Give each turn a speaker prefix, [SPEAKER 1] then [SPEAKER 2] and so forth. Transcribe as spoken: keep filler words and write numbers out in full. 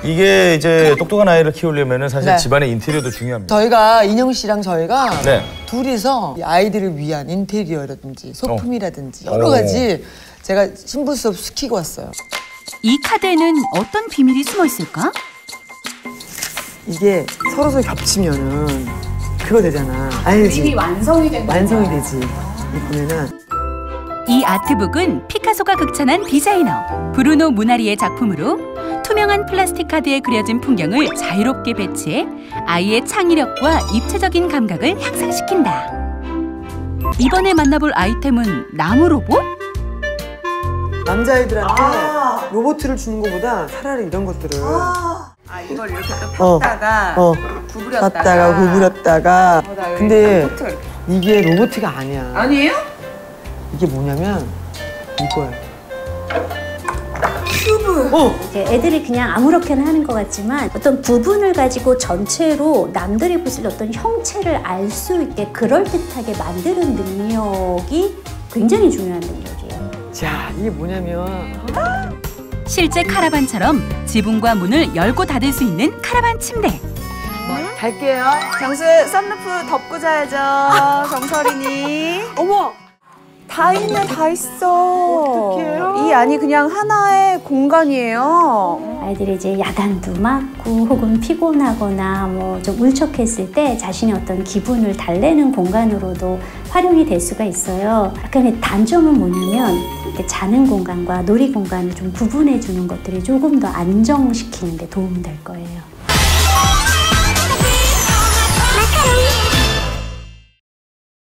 [SPEAKER 1] 이게 이제 똑똑한 아이를 키우려면 사실
[SPEAKER 2] 네.
[SPEAKER 1] 집안의 인테리어도 중요합니다.
[SPEAKER 2] 저희가 인형 씨랑 저희가
[SPEAKER 1] 네.
[SPEAKER 2] 둘이서 아이들을 위한 인테리어라든지 소품이라든지
[SPEAKER 1] 어.
[SPEAKER 2] 여러 가지 제가 신부 수업 시키고 왔어요.
[SPEAKER 3] 이 카드에는 어떤 비밀이 숨어 있을까?
[SPEAKER 2] 이게 서로 서로 겹치면은 그거 되잖아. 알지?
[SPEAKER 4] 이미 완성이 된
[SPEAKER 2] 완성이 되지. 이 보면은
[SPEAKER 3] 이 아트북은 피카소가 극찬한 디자이너 브루노 무나리의 작품으로 투명한 플라스틱 카드에 그려진 풍경을 자유롭게 배치해 아이의 창의력과 입체적인 감각을 향상시킨다. 이번에 만나볼 아이템은 나무 로봇?
[SPEAKER 2] 남자애들한테
[SPEAKER 4] 아.
[SPEAKER 2] 로봇을 주는 것보다 차라리 이런 것들을
[SPEAKER 4] 아, 이걸 이렇게 또 폈다가
[SPEAKER 2] 어, 어.
[SPEAKER 4] 구부렸다가
[SPEAKER 2] 폈다가 구부렸다가
[SPEAKER 4] 어, 나 여기
[SPEAKER 2] 근데
[SPEAKER 4] 로봇을 이렇게.
[SPEAKER 2] 이게 로봇가 아니야.
[SPEAKER 4] 아니에요?
[SPEAKER 2] 이게 뭐냐면 이거야.
[SPEAKER 4] 큐브.
[SPEAKER 2] 어.
[SPEAKER 5] 이제 애들이 그냥 아무렇게나 하는 것 같지만 어떤 부분을 가지고 전체로 남들이 보실 어떤 형체를 알 수 있게 그럴듯하게 만드는 능력이 굉장히 중요한 능력이에요.
[SPEAKER 2] 자, 이게 뭐냐면
[SPEAKER 3] 실제 카라반처럼 지붕과 문을 열고 닫을 수 있는 카라반 침대.
[SPEAKER 2] 갈게요.
[SPEAKER 4] 정수 썬루프 덮고 자야죠. 정설이니.
[SPEAKER 2] 어머!
[SPEAKER 4] 다 있네, 다 있어.
[SPEAKER 2] 어떡해요?
[SPEAKER 4] 이 안이 그냥 하나의 공간이에요.
[SPEAKER 5] 아이들이 이제 야단도 맞고 혹은 피곤하거나 뭐 좀 울적했을 때 자신의 어떤 기분을 달래는 공간으로도 활용이 될 수가 있어요. 약간의 단점은 뭐냐면 이렇게 자는 공간과 놀이 공간을 좀 구분해 주는 것들이 조금 더 안정시키는 데 도움이 될 거예요.